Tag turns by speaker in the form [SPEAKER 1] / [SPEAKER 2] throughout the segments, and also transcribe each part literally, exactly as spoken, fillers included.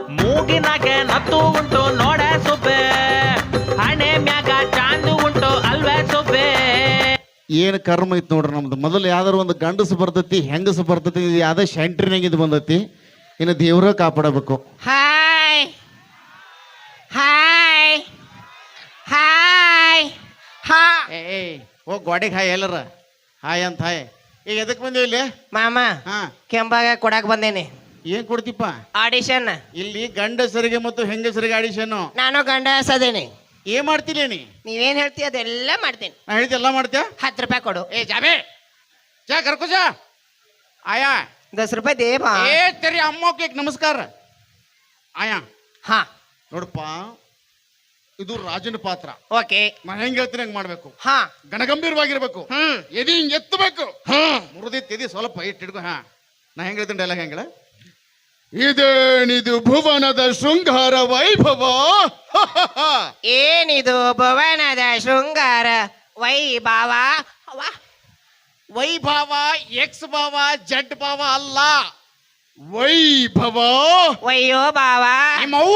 [SPEAKER 1] ಮೂಗಿನಾಗ ನತ್ತು ಉಂಟು ನೋಡ ಸೊಬ್ಬೆ ಹಣೆ ಮ್ಯಾಗ ಚಾಂದು ಉಂಟು ಅಲ್ವೇ ಸೊಬ್ಬೆ.
[SPEAKER 2] ಏನು ಕರ್ಮ ಐತಿ ನೋಡ್ರಿ ನಮ್ದು. ಮೊದಲು ಯಾವ್ದಾರು ಒಂದು ಗಂಡಸು ಬರ್ತೈತಿ ಹೆಂಗಸು ಬರ್ತೈತಿ, ಯಾವ್ದೋ ಶೆಂಟ್ರಿನಾಗ ಇದು ಬಂದೈತಿ. ಇನ್ನು ದೇವ್ರ ಕಾಪಾಡಬೇಕು.
[SPEAKER 3] ಹಾಯ್ ಹಾಯ್ ಹಾಯ್ ಹಾ
[SPEAKER 2] ಏ ಓ ಗೋಡೆಗೆ ಹಾಯ್ ಎಲ್ಲರ ಹಾಯ್ ಅಂತ ಹಾಯ್. ಈಗ ಎದಕ್ ಬಂದೇವಿ ಇಲ್ಲಿ?
[SPEAKER 3] ಮಾಮ
[SPEAKER 2] ಹಾ
[SPEAKER 3] ಕೆಂಪಾಗ ಕೊಡಾಕ್ ಬಂದೇನಿ.
[SPEAKER 2] ಏನ್ ಕೊಡ್ತಿಪ್ಪ?
[SPEAKER 3] ಆಡಿಷನ್.
[SPEAKER 2] ಇಲ್ಲಿ ಗಂಡಸರಿಗೆ ಮತ್ತು ಹೆಂಗಸರಿಗೆ ಆಡಿಷನ್.
[SPEAKER 3] ನಾನು ಗಂಡ ಸದೇನಿ.
[SPEAKER 2] ಏನ್ ಮಾಡ್ತೀನಿ ನೀ?
[SPEAKER 3] ನೀವೇನ್ ಹೇಳ್ತೀಯ ಅದೆಲ್ಲ ಮಾಡ್ತೀನಿ.
[SPEAKER 2] ನಾ ಹೇಳಿದ ಎಲ್ಲ ಮಾಡ್ತೀಯ?
[SPEAKER 3] ಹತ್ತು ರೂಪಾಯಿ ಕೊಡು.
[SPEAKER 2] ಏ ಜಾಬೆ ಜಾ ಕರ್ಕೋ ಜಾ ಆಯಾ
[SPEAKER 3] ದಸ್ ರೂಪಾಯಿ ದೇವಾ.
[SPEAKER 2] ಏ ತೆರಿ ಅಮ್ಮೋಕೆ ನಮಸ್ಕಾರ ಆಯಾ.
[SPEAKER 3] ಹಾ
[SPEAKER 2] ನೋಡಪ್ಪ, ಇದು ರಾಜನ ಪಾತ್ರ.
[SPEAKER 3] ಓಕೆ.
[SPEAKER 2] ನಾ ಹೆಂಗ್ ಹೇಳ್ತೀನಿ ಹಂಗ್ ಮಾಡ್ಬೇಕು.
[SPEAKER 3] ಹಾ
[SPEAKER 2] ಗಣಗಂಭೀರವಾಗಿರ್ಬೇಕು.
[SPEAKER 3] ಹ್ಮ್
[SPEAKER 2] ಎದಿ ಹಿಂಗ್ ಎತ್ತಬೇಕು.
[SPEAKER 3] ಹ್ಮ್
[SPEAKER 2] ಮುರಿದಿತ್ತು ಎದಿ ಸ್ವಲ್ಪ ಇಟ್ಟು ಹಿಡ್ಕೊ. ಹಾ ನಾ ಹೆಂಗ್ ಹೇಳ್ತೀನಿ ಡೈಲಾಗ್ ಹೆಂಗಳ? ಇದೇನಿದು ಭುವನದ ಶೃಂಗಾರ ವೈಭವ.
[SPEAKER 3] ಏನಿದು ಭುವನದ ಶೃಂಗಾರ ವೈಭವ.
[SPEAKER 2] ವೈಭವ ಎಕ್ಸ್ ಭಾವ ಜಡ್ ಭಾವ ಅಲ್ಲ, ವೈಭವ.
[SPEAKER 3] ವಯ್ಯೋ ಬಾವ.
[SPEAKER 2] ನಿಮ್ಮವ್ವ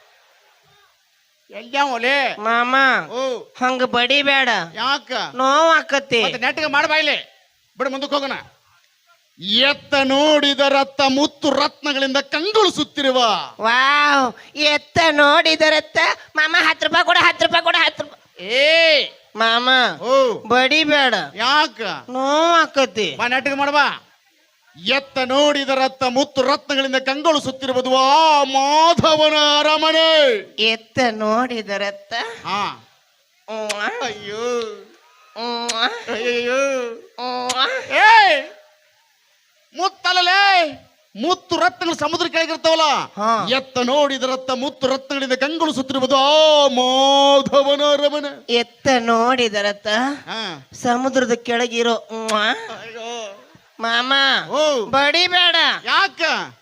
[SPEAKER 2] ಎಲ್ಲೇ
[SPEAKER 3] ಮಾಮ
[SPEAKER 2] ಓ
[SPEAKER 3] ಹಂಗ ಬಡಿಬೇಡ,
[SPEAKER 2] ಯಾಕ
[SPEAKER 3] ನೋವು ಆಕತಿ.
[SPEAKER 2] ಮತ್ತೆ ನೆಟ್ಗೆ ಮಾಡಬಾಯ್ಲೆ ಬಿಡು, ಮುಂದಕ್ಕೆ ಹೋಗೋಣ. ಎತ್ತ ನೋಡಿದ ರತ್ತ ಮುತ್ತು ರತ್ನಗಳಿಂದ ಕಂಗೊಳಿಸುತ್ತಿರುವ.
[SPEAKER 3] ವಾವ್, ಎತ್ತ ನೋಡಿದರತ್ತ. ಮಾಮ ಹತ್ತು ರೂಪಾಯಿ ಕೊಡ, ಹತ್ತು ರೂಪಾಯಿ ಕೊಡ, ಹತ್ತು ರೂಪಾಯಿ.
[SPEAKER 2] ಏ
[SPEAKER 3] ಮಾಮ
[SPEAKER 2] ಓ
[SPEAKER 3] ಬಡಿಬೇಡ,
[SPEAKER 2] ಯಾಕ
[SPEAKER 3] ನೋವು ಆಕತಿ.
[SPEAKER 2] ಬಾ ನೆಟ್ಗೆ ಮಾಡಬಾ. ಎತ್ತ ನೋಡಿದ ರತ್ತ ಮುತ್ತು ರತ್ನಗಳಿಂದ ಕಂಗೊಳಿಸುತ್ತಿರುವುದು ಆ ಮಾಧವನ ಅರಮನೆ.
[SPEAKER 3] ಎತ್ತ ನೋಡಿದರತ್ತ.
[SPEAKER 2] ಹಾ
[SPEAKER 3] ಉವ್ವ,
[SPEAKER 2] ಅಯ್ಯೋ
[SPEAKER 3] ಉವ್ವ,
[SPEAKER 2] ಅಯ್ಯೋ
[SPEAKER 3] ಉವ್ವ.
[SPEAKER 2] ಏ ಮುತ್ತಲೇ ಮುತ್ತು ರತ್ನಗಳು ಸಮುದ್ರ ಕೆಳಗಿರ್ತಾವಲ್ಲ.
[SPEAKER 3] ಹಾ.
[SPEAKER 2] ಎತ್ತ ನೋಡಿದ ರತ್ತ ಮುತ್ತು ರತ್ನಗಳಿಂದ ಕಂಗೊಳಿಸುತ್ತಿರುವುದು ಆ ಮಾಧವನ ಅರಮನೆ.
[SPEAKER 3] ಎತ್ತ ನೋಡಿದರತ್ತ
[SPEAKER 2] ಹಾ
[SPEAKER 3] ಸಮುದ್ರದ ಕೆಳಗಿರೋ. ಉವ್ವ.
[SPEAKER 2] ಅಯ್ಯೋ
[SPEAKER 3] ಮಾಮ
[SPEAKER 2] ಓ
[SPEAKER 3] ಬಡಿಬೇಡ.
[SPEAKER 2] ಯಾಕ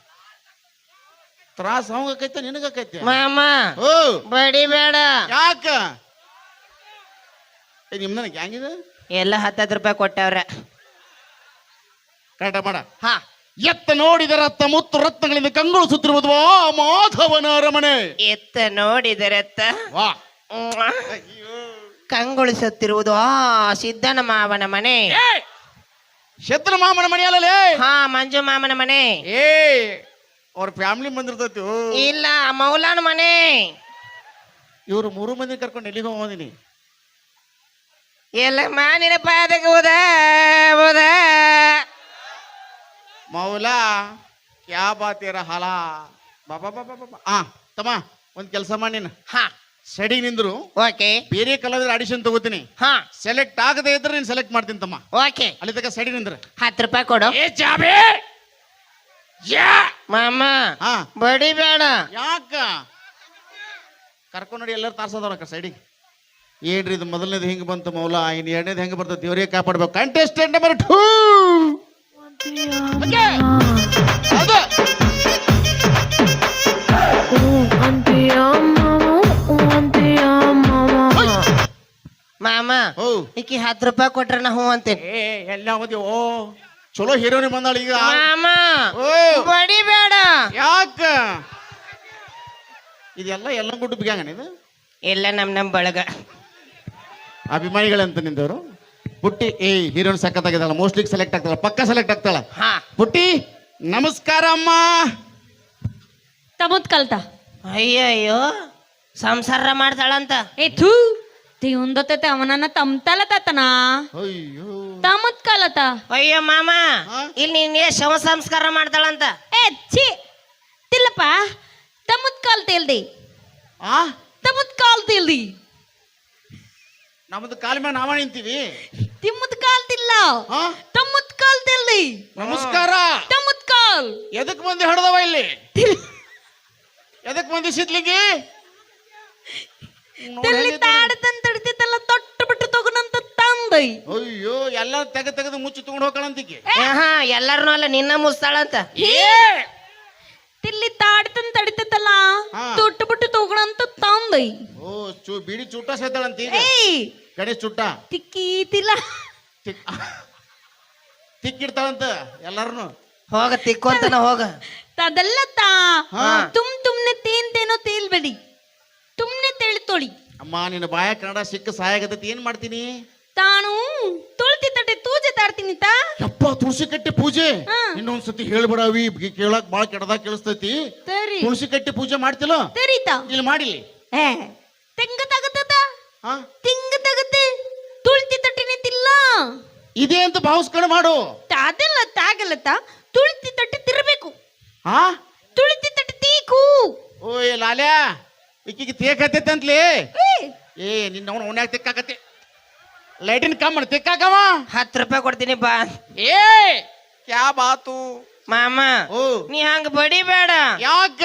[SPEAKER 2] ತ್ರಾಸ ಅವಂಗಕೈತೆ ನಿನಗಕೈತೆ?
[SPEAKER 3] ಮಾಮ
[SPEAKER 2] ಓ
[SPEAKER 3] ಬಡಿಬೇಡ.
[SPEAKER 2] ಯಾಕ ನಿಮ್ನ ಹ್ಯಾಂಗಿದೆ?
[SPEAKER 3] ಎಲ್ಲ ಹತ್ತತ್ತು ರೂಪಾಯಿ ಕೊಟ್ಟವ್ರ.
[SPEAKER 2] ಕರೆಕ್ಟ್ ಮಾಡ.
[SPEAKER 3] ಹಾ.
[SPEAKER 2] ಎತ್ತ ನೋಡಿದ ರತ್ತ ಮುತ್ತು ರತ್ನಗಳಿಂದ ಕಂಗೊಳಿಸುತ್ತಿರುವುದು ಆ ಮಾಧವನ ಅರಮನೆ.
[SPEAKER 3] ಎತ್ತ ನೋಡಿದರತ್ತ
[SPEAKER 2] ವಾ
[SPEAKER 3] ಉವ್ವ.
[SPEAKER 2] ಅಯ್ಯೋ
[SPEAKER 3] ಕಂಗೊಳಿಸುತ್ತಿರುವುದು ಆ ಸಿದ್ದನ ಮಾವನ ಮನೆ.
[SPEAKER 2] ಶತ್ರ ಮಾಮನ ಮನೆ ಅಲ್ಲಲೇ.
[SPEAKER 3] ಹಾ, ಮಂಜು ಮಾಮನ ಮನೆ.
[SPEAKER 2] ಏ ಅವ್ರ ಫ್ಯಾಮಿಲಿ ಬಂದಿರ್ತೈತಿ.
[SPEAKER 3] ಇಲ್ಲ, ಮೌಲಾನ ಮನೆ.
[SPEAKER 2] ಇವ್ರು ಮೂರು ಮಂದಿ ಕರ್ಕೊಂಡು ಎಲ್ಲಿಗೆ ಹೋಗೋದಿನಿ?
[SPEAKER 3] ಎಲ್ಲ ಮಾನಿನ ಪಾದಕ್ಕೆ ಹೋದ ಹೋದ.
[SPEAKER 2] ಮೌಲಾ ಕ್ಯಾ ಬಾತೀರ ಹಾಲ ಬಾಬಾ ಬಾಬಾ ಬಾಬಾ. ಆ ತಮ್ಮ ಒಂದ್ ಕೆಲಸ ಮಾಡಿ, ನೀನು
[SPEAKER 3] ಹಾ
[SPEAKER 2] ಸೆಡಿಗೆ ನಿಂದ್ರು.
[SPEAKER 3] ಓಕೆ.
[SPEAKER 2] ಬೇರೆ ಕಲಾವಿದ್ರ ಆಡಿಷನ್ ತಗೋತೀನಿ.
[SPEAKER 3] ಹಾ
[SPEAKER 2] ಸೆಲೆಕ್ಟ್ ಆಗದೆ ಇದ್ರೆ ನೀನ್ ಸೆಲೆಕ್ಟ್ ಮಾಡ್ತೀನಿ ತಮ್ಮ.
[SPEAKER 3] ಓಕೆ.
[SPEAKER 2] ಅಲ್ಲಿ ತನಕ ಸೆಡಿ ನಿಂದ್ರ.
[SPEAKER 3] ಹತ್ತು ರೂಪಾಯಿ ಕೊಡು.
[SPEAKER 2] ಏ ಜಾಬೆ ಯಾ
[SPEAKER 3] ಮಾಮ
[SPEAKER 2] ಹಾ
[SPEAKER 3] ಬಡಿಬೇಡ.
[SPEAKER 2] ಯಾಕ ಕರ್ಕೊಂಡ್ ನೋಡಿ ಎಲ್ಲರೂ ತಾರ್ಸದವ್ರ ಸೈಡಿಗೆ. ಏನ್ರಿ ಇದು ಮೊದಲನೇದು ಹಿಂಗ್ ಬಂತು ಮೌಲಾ, ಇನ್ ಎರಡನೇದು ಹೆಂಗ್ ಬರ್ತದೆ ದೇವ್ರಿಗೆ ಕಾಪಾಡ್ಬೇಕು. Contestant number two.
[SPEAKER 3] ಮಾಮ
[SPEAKER 2] ಓ
[SPEAKER 3] ಈಕಿ ಹತ್ತು ರೂಪಾಯಿ ಕೊಟ್ರೆ ನಾ ಹ್ಞೂ ಅಂತೇನೆ.
[SPEAKER 2] ಏ ಎಲ್ಲ ಹೋದಿ. ಓ ಚಲೋ ಹೀರೋನಿ ಬಂದಾಳ ಈಗ.
[SPEAKER 3] ಮಾಮ
[SPEAKER 2] ಓ
[SPEAKER 3] ಬಡಿಬೇಡ.
[SPEAKER 2] ಯಾಕ ಇದೆಲ್ಲ ಎಲ್ಲ ಗುಡ್ಡು ಬಿಗ್ಯಾಂಗ ಇದು?
[SPEAKER 3] ಎಲ್ಲ ನಮ್ ನಮ್ ಬಳಗ
[SPEAKER 2] ಅಭಿಮಾನಿಗಳಂತ ನಿಂದವರು. ಪುಟ್ಟಿ ಏ ಹೀರೋನ್ ಸಖತ್ತಾಗಿದ್ದಾಳ, ಮೋಸ್ಟ್ಲಿ ಸೆಲೆಕ್ಟ್ ಆಗ್ತಾಳ, ಪಕ್ಕ ಸೆಲೆಕ್ಟ್ ಆಗ್ತಾಳ.
[SPEAKER 3] ಹಾ.
[SPEAKER 2] ಪುಟ್ಟಿ ನಮಸ್ಕಾರ ಅಮ್ಮ.
[SPEAKER 4] ತಮುದ್ ಕಲ್ತ
[SPEAKER 3] ಅಯ್ಯಯ್ಯೋ ಸಂಸಾರ ಮಾಡ್ತಾಳಂತ.
[SPEAKER 4] ಏ ಥೂ ತಿ ಉಂದತೆ ಅವನನ್ನ ತಮ್ತಲ ತತನ
[SPEAKER 2] ಅಯ್ಯೋ
[SPEAKER 4] ತಮುದ್ ಕಲತ.
[SPEAKER 3] ಅಯ್ಯೋ ಮಾಮ
[SPEAKER 2] ಹಾ?
[SPEAKER 3] ಇಲ್ಲಿ ನೀನ್ ಶವ ಸಂಸ್ಕಾರ ಮಾಡ್ತಾಳಂತ.
[SPEAKER 4] ಏ ಛೀ ತಿಲ್ಲಪ್ಪ, ತಮುದ್ ಕಲ್ತಿಲ್ದಿ
[SPEAKER 2] ಆ
[SPEAKER 4] ತಮುದ್ ಕಲ್ತಿಲ್ದಿ
[SPEAKER 2] ನಮ್ದು ಕಾಲ ಮೇಲೆ ನಾವ ನಿಂತೀವಿ.
[SPEAKER 4] ತಿಮ್ಮದ್ ಕಾಲ್ತಿಲ್ಲ,
[SPEAKER 2] ಹಾ
[SPEAKER 4] ತಮ್ಮದ್ ಕಾಲ್ತಿಲ್ದಿ.
[SPEAKER 2] ನಮಸ್ಕಾರ.
[SPEAKER 4] ತಮ್ಮದ್ ಕಾಲ್
[SPEAKER 2] ಎದಕ್ ಮಂದಿ ಹಡದವ ಇಲ್ಲಿ? ಎದಕ್ ಮಂದಿ ಸಿದ್ಲಿಂಗಿ?
[SPEAKER 4] ತಿಲ್ಲಿ ತಾಡತಂತ ತಡಿತಿತ್ತಲ್ಲ ತೊಟ್ಟು ಬಿಟ್ಟು ತಗೊಂಡಂತ ತಂದೈ.
[SPEAKER 2] ಅಯ್ಯೋ ಎಲ್ಲ ತೆಗ ತೆಗೆದು ಮುಚ್ಚಿ ತಗೊಂಡು ಹೋಗ್ಕಳಂತಿಗೆ.
[SPEAKER 3] ಹಾ ಎಲ್ಲಾರನು ಅಲ್ಲ ನಿನ್ನ ಮುಸ್ತಾಳಂತ.
[SPEAKER 4] ತಿಲ್ಲಿ ತಾಡತಂತ ತಡಿತಿತ್ತಲ್ಲ
[SPEAKER 2] ಹಾ.
[SPEAKER 4] ತೊಟ್ಟು ಬಿಟ್ಟು ತಗೊಂಡಂತ ತಂದೈ.
[SPEAKER 2] ಓ ಚೂ ಬಿಡಿ ಚುಟ್ಟ ಸೇತಾಳಂತ ಈಗ.
[SPEAKER 4] ಏಯ್
[SPEAKER 2] ಗಣೇಶ್ ಚುಟ್ಟ
[SPEAKER 4] ತಿಕ್ಕೀತಿಲ್ಲ
[SPEAKER 2] ತಿಕ್ಕಿಡ್ತಾಳಂತ ಎಲ್ಲಾರನು.
[SPEAKER 3] ಹೋಗ ತಿಕ್ಕೊಂತನ ಹೋಗ.
[SPEAKER 4] ಅದೆಲ್ಲ ತಾ
[SPEAKER 2] ಹಾ.
[SPEAKER 4] ತುಮ್ ತುಮ್ನೆ
[SPEAKER 2] ಅಮ್ಮ ನಿನ್ನ ಬಾಯ ಕನ್ನಡ ಸಿಕ್ಕ ಸಹಾಯ ಆಗತೈತಿ ಏನ್ ಮಾಡ್ತೀನಿ
[SPEAKER 4] ತಾನು ತುಳ್ತಿ ತಟ್ಟೆ ತೂಜೆ ತಾಡ್ತೀನಿ ತಾ
[SPEAKER 2] ಯಪ್ಪ ತುಳಸಿ ಕಟ್ಟೆ ಪೂಜೆ
[SPEAKER 4] ಹಾ.
[SPEAKER 2] ಇನ್ನೊಂದ್ಸತಿ ಹೇಳ್ಬಿಡವಿ ಕೇಳಕ್ ಬಾಳ ಕೆಡದಾಗ ಕೇಳಿಸ್ತೈತಿ
[SPEAKER 4] ಸರಿ
[SPEAKER 2] ತುಳಸಿ ಕಟ್ಟೆ ಪೂಜೆ ಮಾಡ್ತಿಲ್ಲ
[SPEAKER 4] ಸರಿತಾ
[SPEAKER 2] ಇಲ್ಲಿ ಮಾಡಿಲಿ
[SPEAKER 4] ಏ ತೆಂಗ ತಗತ್ತ
[SPEAKER 2] ಹಾ
[SPEAKER 4] ತಿಂಗ ತಗತ್ತೆ ತುಳ್ತಿ ತಟ್ಟೆ ನಿಂತಿಲ್ಲ
[SPEAKER 2] ಇದೇ ಅಂತ ಭಾವಿಸ್ಕೊಂಡು ಮಾಡು
[SPEAKER 4] ಅದೆಲ್ಲ ತಾಗಲ್ಲತ್ತ ತುಳ್ತಿ ತಟ್ಟೆ ತಿರ್ಬೇಕು
[SPEAKER 2] ಹಾ
[SPEAKER 4] ತುಳಿತಿ ತಟ್ಟೆ ತೀಕು
[SPEAKER 2] ಓಯ್ ಲಾಲ್ಯಾ ಈಕಿಗೆ ತೇಕತ್ತೈತೆ ಅಂತಲೇ
[SPEAKER 4] ಏ,
[SPEAKER 2] ಏ ನಿನ್ನ ಅವನು ಅವನ್ಯಾಗ ತೆಕ್ಕಾಕತ್ತೆ ಲೈಟಿನ ಕಮ್ಮ ತೆಕ್ಕಾಕವ
[SPEAKER 3] ಹತ್ತು ರೂಪಾಯಿ ಕೊಡ್ತೀನಿ ಬಾ
[SPEAKER 2] ಏ ಕ್ಯಾ ಬಾತು
[SPEAKER 3] ಮಾಮ
[SPEAKER 2] ಓ
[SPEAKER 3] ನೀ ಹಂಗ ಬಡಿಬೇಡ
[SPEAKER 2] ಯಾಕ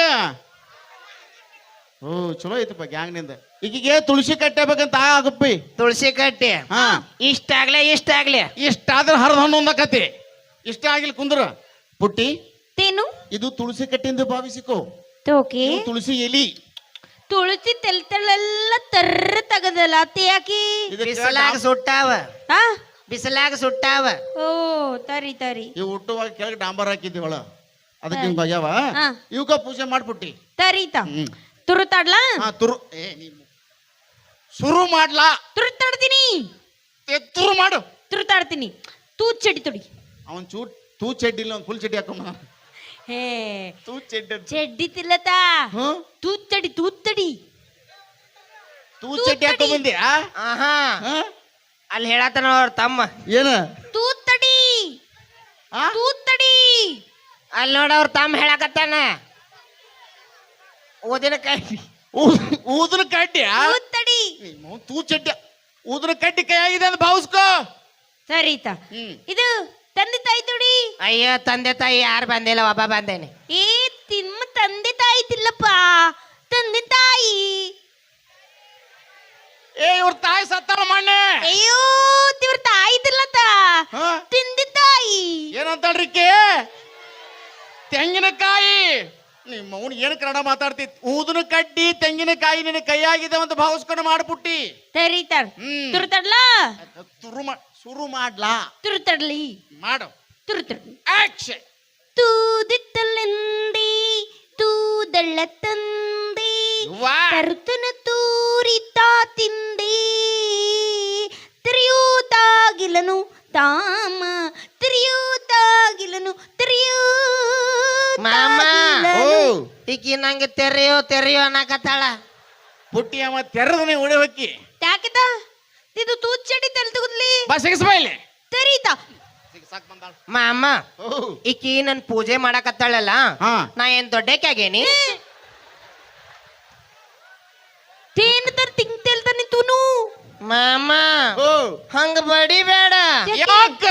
[SPEAKER 2] ಓ ಚಲೋ ಐತಪ್ಪ ಗ್ಯಾಂಗ್ನಿಂದ ಈಗಿಗೆ ತುಳಸಿ ಕಟ್ಟಬೇಕಂತ ಆಗಪ್ಪಿ
[SPEAKER 3] ತುಳಸಿ ಕಟ್ಟಿ
[SPEAKER 2] ಹಾ
[SPEAKER 3] ಇಷ್ಟಾಗ್ಲೆ ಇಷ್ಟಾಗ್ಲೆ
[SPEAKER 2] ಇಷ್ಟಾದ್ರೆ ಹರಿದ ಹಣ್ಣು ಒಂದಕತಿ ಇಷ್ಟ ಆಗಿಲ್ಲ ಕುಂದ್ರ ಪುಟ್ಟಿ
[SPEAKER 4] ತೇನು
[SPEAKER 2] ಇದು ತುಳಸಿ ಕಟ್ಟಿಂದ ಭಾವಿಸಿಕೋ
[SPEAKER 4] ತೋಕೆ
[SPEAKER 2] ಇದು ತುಳಸಿ ಎಲಿ
[SPEAKER 4] ತುಳಸಿ ತೆಲ್ ತೆಳ್ಳೆಲ್ಲ ತರ್ರ ತಗದಲ್ಲ ಅತ್ತೆ ಯಾಕೆ
[SPEAKER 2] ಇದಕ್ಕ
[SPEAKER 3] ಬಿಸಿಲಾಗ ಸುಟ್ಟಾವ
[SPEAKER 4] ಆ
[SPEAKER 3] ಬಿಸಿಲಾಗ ಸುಟ್ಟಾವ
[SPEAKER 4] ಓ ತರಿ ತರಿ
[SPEAKER 2] ಇವು ಹುಟ್ಟುವಾಗ ಕೆಳಗೆ ಡಾಂಬರ್ ಹಾಕಿದ್ದೀವಳ ಅದಕ್ಕೆ ಹಿಂಗ ಆಗ್ಯಾವ
[SPEAKER 4] ಹಾ.
[SPEAKER 2] ಇವಕ್ಕ ಪೂಜೆ ಮಾಡ್ಬಿಟ್ಟಿ
[SPEAKER 4] ತರೀತ
[SPEAKER 2] ಹ್ಮ್
[SPEAKER 4] ತುರುತಾಡ್ಲಾ
[SPEAKER 2] ಹಾ ತುರು ಏ ನೀ ಶುರು ಮಾಡ್ಲಾ
[SPEAKER 4] ತುರುತಾಡ್ತೀನಿ
[SPEAKER 2] ತುರು ಮಾಡು
[SPEAKER 4] ತುರುತಾಡ್ತೀನಿ ತೂ ಚಡಿ ತುಡಿ
[SPEAKER 2] ಅವನ್ ಚೂ ತೂ ಚಡ್ಡಿ ಇಲ್ಲ ಅವ್ನ್ ಫುಲ್ ಚಡ್ಡಿ ಹಾಕೊಂಡ
[SPEAKER 4] ಹೇ
[SPEAKER 2] ತೂ ಚಡ್ಡಿ
[SPEAKER 4] ಚಡ್ಡಿ ತಿಲ್ಲತಾ
[SPEAKER 2] ಹ್ಮ್
[SPEAKER 4] ತೂತ್ತಡಿ ತೂತ್ತಡಿ
[SPEAKER 2] ತೂ ಚಡ್ಡಿ ಹಾಕೊಂಡ್ ಬಂದಿ ಆ
[SPEAKER 3] ಆಹಾ
[SPEAKER 2] ಹಾ?
[SPEAKER 3] ಅಲ್ಲಿ ಹೇಳತ್ತಾನ ಅವ್ರ ತಮ್ಮ
[SPEAKER 2] ಏನ
[SPEAKER 4] ತೂತ್ತಡಿ
[SPEAKER 2] ಆ?
[SPEAKER 4] ತೂತ್ತಡಿ
[SPEAKER 3] ಅಲ್ಲಿ ನೋಡ ಅವ್ರ ತಮ್ಮ ಹೇಳಕತ್ತಾನ ಓದಿನ ಕೈ
[SPEAKER 2] ಊ- ಊದ್ರ ಕಡ್ಡಿ ಆ?
[SPEAKER 4] ತೂತ್ತಡಿ
[SPEAKER 2] ನಿಮ್ಮ ತೂ ಚಡ್ಡಿ ಊದ್ರ ಕಡ್ಡಿ ಕೈ ಆಗಿದೆ ಅಂತ ಭಾವಿಸ್ಕೋ
[SPEAKER 4] ಸರಿತ
[SPEAKER 2] ಹ್ಮ್
[SPEAKER 4] ಇದು ತಂದೆ ತಾಯಿ ತುಡಿ
[SPEAKER 3] ಅಯ್ಯೋ ತಂದೆ ತಾಯಿ ಯಾರು ಬಂದಿಲ್ಲ ಒಬ್ಬ ಬಂದೇನೆ
[SPEAKER 4] ಏ ತಿಮ್ಮ ತಂದೆ ತಾಯಿ ತಿಲ್ಲಪ್ಪ ತಂದೆ ತಾಯಿ
[SPEAKER 2] ಏ ಇವ್ರ ತಾಯಿ ಸತ್ತಾಳ ಮಣ್ಣೆ
[SPEAKER 4] ಅಯ್ಯೋ ತಿವ್ರ ತಾಯಿ ತಿಲ್ಲತ
[SPEAKER 2] ಹಾ?
[SPEAKER 4] ತಂದೆ ತಾಯಿ
[SPEAKER 2] ಏನಂತಾಳ್ರಿಕೆ ತೆಂಗಿನಕಾಯಿ ನಿಮ್ಮ ಅವ್ನು ಏನು ಕನ್ನಡ ಮಾತಾಡ್ತಿ ಊದನ ಕಡ್ಡಿ ತೆಂಗಿನಕಾಯಿ ನಿನ್ನ ಕೈಯಾಗಿದೆ ಅಂತ ಭಾವಿಸ್ಕೊಂಡು ಮಾಡ್ಬಿಟ್ಟಿ
[SPEAKER 4] ಸರಿತಾರ
[SPEAKER 2] ಹ್ಮ್.
[SPEAKER 4] ತುರುತಡ್ಲ
[SPEAKER 2] ಶುರು ಮಾ ಶುರು ಮಾಡ್ಲಾ
[SPEAKER 4] ತುರುತಡ್ಲಿ
[SPEAKER 2] ಮಾಡು
[SPEAKER 4] ತುರುತಡ್ಲಿ
[SPEAKER 2] ಆಕ್ಷನ್
[SPEAKER 4] ತೂದಿತ್ತಲೆಂದಿ ತೂದಳ್ಳ ತಂದೆ
[SPEAKER 2] ವಾ
[SPEAKER 4] ತರುತನ ತೂರಿತಾ ತಿಂದೆ ತಿರಿಯೂತಾಗಿಲನು ತಾಮ ತಿರಿಯೂತಾಗಿಲನು
[SPEAKER 3] ಮಾಮ.
[SPEAKER 2] ಓ
[SPEAKER 4] ತಿರಿಯೂತಾಗಿಲನು
[SPEAKER 3] ಈಕಿ ನಂಗೆ ತೆರೆಯೋ ತೆರೆಯೋ ಅನ್ನಕತ್ತಾಳ
[SPEAKER 2] ಪುಟ್ಟಿ ಅವ ತೆರೆದನೆ ಉಳಿ ಹೊಕ್ಕಿ
[SPEAKER 4] ಯಾಕಿತ ಇದು ತೂಚಡಿ ತಲೆ ತಗುದ್ಲಿ
[SPEAKER 2] ಬಾ ಸಿಗಿಸ್ಬಾ ಇಲ್ಲಿ
[SPEAKER 4] ತರೀತ
[SPEAKER 2] ಸಿಗಿಸಾಕ್ ಬಂದಾಳ
[SPEAKER 3] ಮಾಮ
[SPEAKER 2] ಓ
[SPEAKER 3] ಈಕಿ ನನ್ ಪೂಜೆ ಮಾಡಕತ್ತಾಳಲ್ಲ
[SPEAKER 2] ಹಾ
[SPEAKER 3] ನಾ ಏನ್ ದೊಡ್ಡಕ್ಕಾಗೇನಿ
[SPEAKER 4] ತೇನ್ ತರ್ ತಿಂಗ್ ತೇಲ್ತಾನೆ ತೂನು
[SPEAKER 3] ಮಾಮ
[SPEAKER 2] ಓ
[SPEAKER 3] ಹಂಗ ಬಡಿಬೇಡ
[SPEAKER 2] ಯಾಕ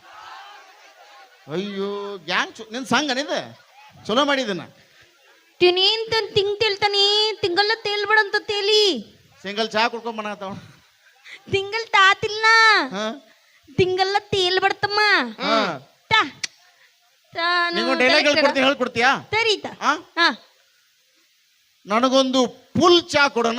[SPEAKER 2] ಅಯ್ಯೋ ಗ್ಯಾಂಗ್ ನಿನ್ ಸಂಗ ನಿಂದ ಚಲೋ ಮಾಡಿದನ
[SPEAKER 4] ತಿನೇನ್ ತನ್ ತಿಂಗ್ ತೇಲ್ತಾನೆ ತಿಂಗಲ್ಲ ತೇಲ್ಬೇಡಂತ ತೇಲಿ
[SPEAKER 2] ಸಿಂಗಲ್ ಚಾ ಕುಡ್ಕೊಂಡ್ ಬನ್ನತಾವ
[SPEAKER 4] ತಿಂಗಲ್ ತಾತಿಲ್ಲ
[SPEAKER 2] ಹಾ
[SPEAKER 4] ತಿಂಗಲ್ಲ ತೇಲ್ಬಡ್ತಮ್ಮ
[SPEAKER 2] ಹಾ
[SPEAKER 4] ತಾ ತಾನು
[SPEAKER 2] ನಿಂಗೊಂದು ಡೈಲಾಗ್ ಹೇಳ್ಕೊಡ್ತೀನಿ ಹೇಳ್ಕೊಡ್ತೀಯಾ
[SPEAKER 4] ತರೀತ
[SPEAKER 2] ಹಾ
[SPEAKER 4] ಹಾ
[SPEAKER 2] ನನಗೊಂದು ಫುಲ್ ಚಾ ಕೊಡೋಣ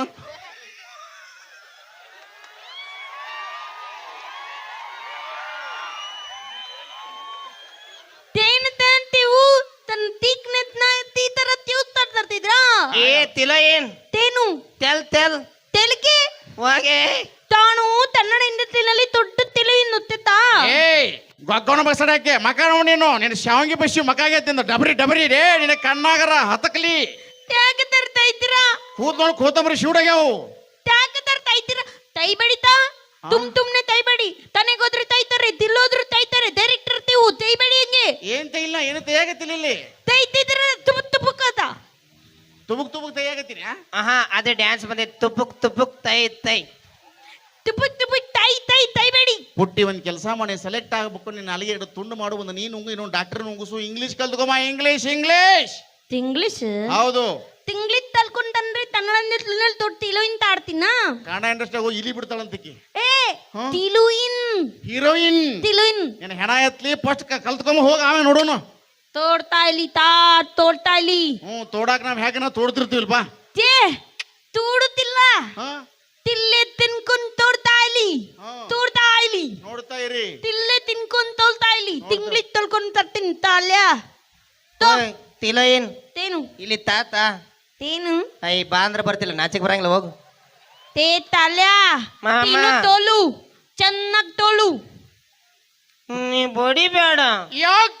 [SPEAKER 4] ತೇನ ತಂತಿವು ತನ್ನ ತೀಕ್ನೆತ್ನ ತೀ ತರ ತ್ಯೂಸ್ ತರ್ತಿದ್ರಾ
[SPEAKER 3] ಏ ತಿಲ ಏನ್
[SPEAKER 4] ತೇನು
[SPEAKER 3] ತೆಲ್ ತೆಲ್
[SPEAKER 4] ತೆಲಕೆ
[SPEAKER 3] ಹೋಗೆ
[SPEAKER 4] ತಾನು ತನ್ನಡ ಇಂಡಸ್ಟ್ರಿನಲ್ಲಿ ದೊಡ್ಡ ತೆಲು ಎನ್ನುತ್ತಾ
[SPEAKER 2] ಏಯ್ ಗೊಗ್ಗೋಣ ಬಸಡಕ್ಕೆ ಮಕ ನೋಡ್ ನೀನು ನಿನ್ನ ಶಾವಂಗಿ ಬಸ್ಸಿ ಮಕಾಗೆ ತಿಂದ ಡಬರಿ ಡಬರಿ ರೇ ನಿನ್ನ ಕಣ್ಣಾಗರ ಹತಕ್ಲಿ
[SPEAKER 4] ಯಾಕೆ ತರ್ತಾ ಇದ್ದೀರಾ
[SPEAKER 2] ಕೂತ್ ನೋಡ್ ಕೋತಂಬರಿ ಶೂಡಾಗ್ಯಾವು
[SPEAKER 4] ಯಾಕೆ ತರ್ತಾ ಇದ್ದೀರಾ ತೈ ಬಡಿತಾ ತುಮ್ ತುಮ್ನೆ ತೈ ಬಡಿ ತನೆಗೋದ್ರೆ ತೈತಾರೆ ದಿಲ್ಲೋದ್ರು ತೈತಾರೆ ಡೈರೆಕ್ಟರ್ ತೀವು ತೈ ಬಡಿ ಹಂಗೆ
[SPEAKER 2] ಏನ್ ತೈಲ್ಲ ಏನು ತೈಯಾಗತ್ತಿಲ್ಲ ಇಲ್ಲಿ
[SPEAKER 4] ತೈತಿದ್ರ ತುಬುಕ್ ತುಬುಕದ
[SPEAKER 2] ತುಬುಕ್ ತುಬುಕ್ ತೈಯಾಗತ್ತೀನಿ
[SPEAKER 3] ಆಹಾ ಅದೇ ಡ್ಯಾನ್ಸ್ ಬಂದೈತಿ ತುಪ್ಪುಕ್ ತುಪ್ಪುಕ್ ತೈ ತೈ
[SPEAKER 4] ತುಬುಕ್ ತುಬುಕ್ ತೈ ತೈ ತೈ ಬಡಿ
[SPEAKER 2] ಪುಟ್ಟಿ ಒಂದ್ ಕೆಲಸ ಮಾಡಿ ಸೆಲೆಕ್ಟ್ ಆಗ್ಬೇಕು ನಿನ್ನ ಅಲ್ಲಿಗೆ ಎರಡು ತುಂಡು ಮಾಡು ಒಂದು ನೀನು ಉಂಗು ಇನ್ನೊಂದು ಡಾಕ್ಟರ್ ನುಂಗುಸು ಇಂಗ್ಲಿಷ್ ಕಲ್ತ್ಕೊಮ್ಮ ಇಂಗ್ಲಿಷ್ ಇಂಗ್ಲಿಷ್
[SPEAKER 4] ಇಂಗ್ಲಿಷ್
[SPEAKER 2] ಹೌದು
[SPEAKER 4] ತಿಂಗ್ಳಿತ್ ತಲ್ಕೊಂಡ್ರೆ ಕನ್ನಡ ಇಂಡಸ್ಟ್ರಿನಲ್ಲಿ ದೊಡ್ಡ ತಿಲುಯಿನ್ ತಾಡ್ತೀನ
[SPEAKER 2] ಕನ್ನಡ ಇಂಡಸ್ಟ್ರಿ ಹೋಗಿ ಇಲಿ ಬಿಡ್ತಾಳಂತಿಕ್ಕಿ
[SPEAKER 4] ಏ
[SPEAKER 2] ಹಾ?
[SPEAKER 4] ತಿಲುಯಿನ್
[SPEAKER 2] ಹೀರೋಯಿನ್
[SPEAKER 4] ತಿಲುಯಿನ್
[SPEAKER 2] ನಿನ್ನ ಹೆಣ ಎತ್ಲಿ ಫಸ್ಟ್ ಕಲ್ತ್ಕೊಂಬ ಹೋಗ ಆಮೇಲೆ ನೋಡೋಣ
[SPEAKER 4] ತೋಡ್ತಾ ಇಲ್ಲಿ ತಾ ತೋಡ್ತಾ ಇಲ್ಲಿ
[SPEAKER 2] ಹ್ಞೂ ತೋಡಾಕ್ ನಾವ್ ಹೇಗೆ ನಾವು ತೋಡ್ತಿರ್ತೀವಲ್ಪ
[SPEAKER 4] ಏ ತೂಡುತ್ತಿಲ್ಲ
[SPEAKER 2] ಹಾ
[SPEAKER 4] ತಿಲ್ಲೆ ತಿನ್ಕೊಂಡ್ ತೋಡ್ತಾ ಇಲ್ಲಿ
[SPEAKER 2] ಹಾ.
[SPEAKER 4] ತೋಡ್ತಾ ಇಲ್ಲಿ
[SPEAKER 2] ನೋಡ್ತಾ ಇರಿ
[SPEAKER 4] ತಿಲ್ಲೆ ತಿನ್ಕೊಂಡ್ ತೋಳ್ತಾ ಇಲ್ಲಿ ತಿಂಗ್ಳಿತ್ ತೊಳ್ಕೊಂಡ್ ತರ್ತೀನಿ ತಾಲ್ಯ
[SPEAKER 3] ಓಯ್, ತಿಲ ಏನ್
[SPEAKER 4] ತೇನು
[SPEAKER 3] ಇಲ್ಲಿ ತಾತ
[SPEAKER 4] ತೇನು
[SPEAKER 3] ಐ ಬಾ ಅಂದ್ರೆ ಬರ್ತಿಲ್ಲ ನಾಚಿಕ್ ಬರಂಗಿಲ್ಲ ಹೋಗು
[SPEAKER 4] ते ताल्या
[SPEAKER 3] ಮಾಮ.
[SPEAKER 4] तिनं तोलू ಚೆನ್ನಾಗ್ तोलू
[SPEAKER 3] ನೀ ಬಡಿ ಬೇಡ
[SPEAKER 2] ಯಾಕ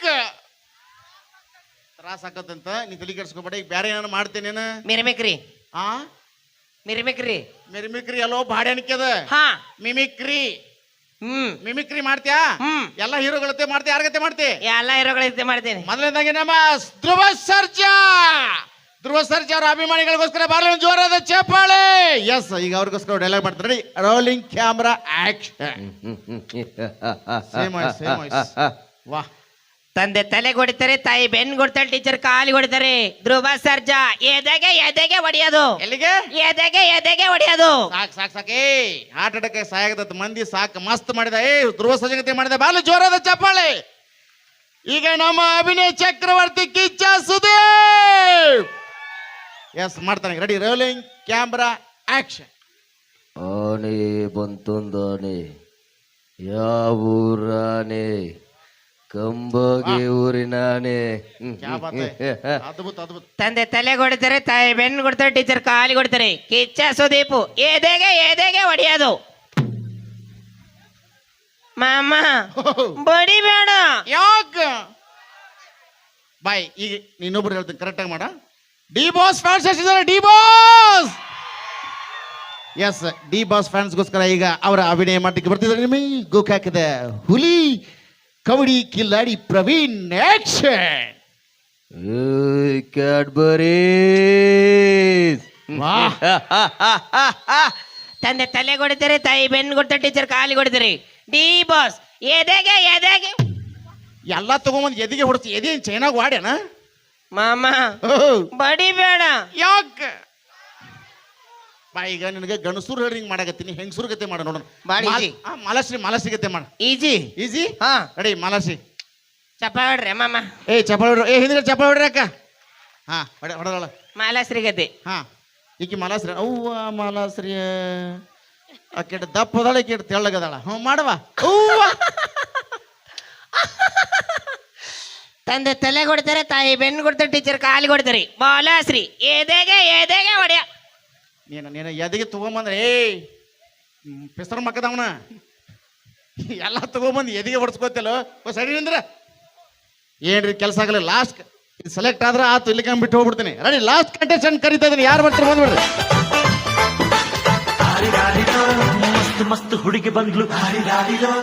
[SPEAKER 2] ತ್ರಾಸ ಆಕತ್ತಂತ ನೀ ತಲೆ ಕೆಡ್ಸ್ಕೊಬೇಡ. ಈಗ ಬೇರೆ ಏನಾರು ಮಾಡ್ತೇನೇನ?
[SPEAKER 3] ಮಿರ್ಮಿಕ್ರಿ
[SPEAKER 2] ಆ
[SPEAKER 3] ಮಿರ್ಮಿಕ್ರಿ
[SPEAKER 2] ಮಿಮಿಕ್ರಿ ಎಲ್ಲೋ ಬಾಡ್ಯಾನಿಕೆ ಅದ.
[SPEAKER 3] ಹಾ
[SPEAKER 2] ಮಿಮಿಕ್ರಿ
[SPEAKER 3] ಹ್ಮ್
[SPEAKER 2] ಮಿಮಿಕ್ರಿ ಮಾಡ್ತೀಯಾ?
[SPEAKER 3] ಹ್ಮ್
[SPEAKER 2] ಎಲ್ಲ ಹೀರೋಗಳತ್ತೆ ಮಾಡ್ತೀಯ, ಯಾರ್ಗತ್ತೆ ಮಾಡ್ತಿ?
[SPEAKER 3] ಎಲ್ಲ ಹೀರೋಗಳಿದ್ದೆ ಮಾಡ್ತೀನಿ.
[SPEAKER 2] ಮೊದಲನೇದಾಗಿ ನಮ್ಮ ಧ್ರುವ ಸರ್ಜಾ ಧ್ರುವ ಸರ್ಜಾ ಅವರ ಅಭಿಮಾನಿಗಳಿಗೋಸ್ಕರ ಬಾರ್ಲಿ ಒಂದು ಜೋರಾದ ಚಪ್ಪಾಳೆ. ಎಸ್, ಈಗ ಅವ್ರಿಗೋಸ್ಕರ ಡೈಲಾಗ್ ಮಾಡ್ತಾರೆ. Rolling camera action. Same voice, same voice. ವಾಹ್.
[SPEAKER 3] ತಂದೆ ತಲೆ ಹೊಡಿತಾರೆ, ತಾಯಿ ಬೆನ್ ಕೊಡ್ತಾಳೆ, ಟೀಚರ್ ಕಾಲಿ ಹೊಡಿತಾರೆ. ಧ್ರುವ ಸರ್ಜಾ ಎದೆಗೆ ಎದೆಗೆ ಹೊಡಿಯೋದು,
[SPEAKER 2] ಎಲ್ಲಿಗೆ?
[SPEAKER 3] ಎದೆಗೆ ಎದೆಗೆ ಹೊಡಿಯೋದು.
[SPEAKER 2] ಸಾಕ್ ಸಾಕ್ ಸಾಕ್. ಏ ಹಾರ್ಟ್ ಅಟ್ಯಾಕ್ ಸಾಯಾಗತ್ತ ಮಂದಿ ಸಾಕ್. ಮಸ್ತ್ ಮಾಡಿದ. ಏ ಧ್ರುವ ಸರ್ಜಾ ಮಾಡಿದ. ಬಾರ್ಲಿ ಜೋರಾದ ಚಪ್ಪಾಳೆ. ಈಗ ನಮ್ಮ ಅಭಿನಯ ಚಕ್ರವರ್ತಿ ಕಿಚ್ಚ ಸುದೀಪ್ ಎಸ್ ಮಾಡ್ತಾನೆ. Ready, rolling camera action.
[SPEAKER 5] ಆನೆ ಬಂತೊಂದಾನೆ, ಯಾವೂರಾನೆ? ಕಂಬಗೆ ಊರಿನಾನೆ.
[SPEAKER 2] ಕ್ಯಾ ಬಾತ್ ಹೈ. ಅದ್ಭುತ ಅದ್ಭುತ.
[SPEAKER 3] ತಂದೆ ತಲೆ ಹೊಡಿತಾರೆ, ತಾಯಿ ಬೆನ್ ಕೊಡ್ತಾರೆ, ಟೀಚರ್ ಕಾಲಿ ಕೊಡ್ತಾರೆ. ಕಿಚ್ಚ ಸುದೀಪು ಎದೆಗೆ ಎದೆಗೆ ಹೊಡಿಯೋದು. ಮಾಮ ಬಡಿ ಬೇಡ.
[SPEAKER 2] ಯಾಕ ಬಾಯ್. ಈಗ ಇನ್ನೊಬ್ರು ಹೇಳ್ತೀನಿ, ಕರೆಕ್ಟಾಗಿ ಮಾಡ. ಡಿ ಬಾಸ್ ಫ್ಯಾನ್ಸ್ ಎಷ್ಟಿದ್ದಾರೆ? D boss. Yes, D boss ಫ್ಯಾನ್ಸ್ಗೋಸ್ಕರ ಈಗ ಅವರ ಅಭಿನಯ ಮಾಡಲಿಕ್ಕೆ ಬರ್ತಿದ್ದಾರೆ. ನಿಮಗೆ ಗೋಕಾಕದ ಹುಲಿ ಕಬಡ್ಡಿ ಕಿಲ್ಲಾಡಿ ಪ್ರವೀಣ್ ಆಕ್ಷನ್.
[SPEAKER 5] ಕ್ಯಾಡ್ಬರಿ
[SPEAKER 2] ವಾಹ್.
[SPEAKER 3] ತಂದೆ ತಲೆ ಹೊಡಿತಾರೆ, ತಾಯಿ ಬೆನ್ ಕೊಡ್ತಾರೆ, ಟೀಚರ್ ಕಾಲಿ ಕೊಡ್ತಾರೆ. ಡಿ ಬಾಸ್ ಎದೆಗೆ ಎದೆಗೆ.
[SPEAKER 2] ಎಲ್ಲ ತಗೊಂಬಂದು ಎದಿಗೆ ಹೊಡ್ತಿ. ಎದೇನು ಚೈನಾಗ ವಾಡ್ಯಾನ?
[SPEAKER 3] ಮಾಮ ಬಡಿ ಬೇಡ.
[SPEAKER 2] ಯಾಕ ಬಾ. ಈಗ ನಿನಗೆ ಗಣಸೂರ್ ಹೇಳಿ ಹಿಂಗ್ ಮಾಡಕತ್ತೀನಿ, ಹೆಂಗಸೂರ್ ಗತೆ ಮಾಡ ನೋಡೋಣ.
[SPEAKER 3] ಬಾಳ easy.
[SPEAKER 2] ಮಾಲಾಶ್ರೀ ಮಾಲಾಶ್ರೀ ಗತೆ ಮಾಡ.
[SPEAKER 3] Easy
[SPEAKER 2] easy.
[SPEAKER 3] ಹಾ
[SPEAKER 2] ರೆಡಿ, ಮಾಲಾಶ್ರೀ.
[SPEAKER 3] ಚಪ್ಪ ಹೊಡ್ರಿ ಮಾಮ.
[SPEAKER 2] ಏ ಚಪ್ಪಾಳೆ ಹೊಡ್ರಿ. ಏ ಹಿಂದ್ಗಡೆ ಚಪ್ಪಾಳೆ ಹೊಡ್ರಿ ಅಕ್ಕ. ಹಾ ಹೊಡೆ ಹೊಡೆದಳ.
[SPEAKER 3] ಮಾಲಾಶ್ರೀ ಗತಿ.
[SPEAKER 2] ಹಾ ಈಕಿ ಮಾಲಾಶ್ರೀ. ಅವ್ವ ಮಾಲಾಶ್ರೀ ಆಕೆಟ್ ದಪ್ಪ ಅದಾಳ, ಈಕೆಟ್ ತೆಳ್ಳಗದಾಳ. ಹ್ಞೂ ಮಾಡವ. ಅವ್ವ
[SPEAKER 3] ತಂದೆ ತಲೆ ಕೊಡ್ತಾರೆ, ತಾಯಿ ಬೆನ್ ಕೊಡ್ತಾರೆ, ಟೀಚರ್ ಕಾಲಿ ಕೊಡ್ತಾರೆ. ಮಾಲಾಶ್ರೀ ಎದೆಗೆ ಎದೆಗೆ ಹೊಡೆಯ.
[SPEAKER 2] ನೀನು ನೀನು ಎದಿಗೆ ತಗೊಂಬಂದ್ರೆ ಏ ಪೆಸರ್ ಮಕ್ಕದವನ ಎಲ್ಲ ತಗೊಂಬಂದು ಎದಿಗೆ ಹೊಡ್ಸ್ಕೊತಿಲ್ಲ. ಸರಿ ಅಂದ್ರೆ ಏನ್ರಿ ಕೆಲಸ ಆಗಲ್ಲ. ಲಾಸ್ಟ್ ಸೆಲೆಕ್ಟ್ ಆದ್ರೆ ಆತು, ಇಲ್ಲಿ ಬಿಟ್ಟು ಹೋಗ್ಬಿಡ್ತೀನಿ. ರೆಡಿ, ಲಾಸ್ಟ್ ಕಂಟೆಸ್ಟೆಂಟ್ ಕರಿತಾ ಇದೀನಿ. ಯಾರು ಬರ್ತಾರೆ ಬಂದ್ಬಿಡ್ರಿ.
[SPEAKER 6] ಮಸ್ತ್ ಮಸ್ತ್ ಹುಡುಗಿ ಬಂದ್ಲು.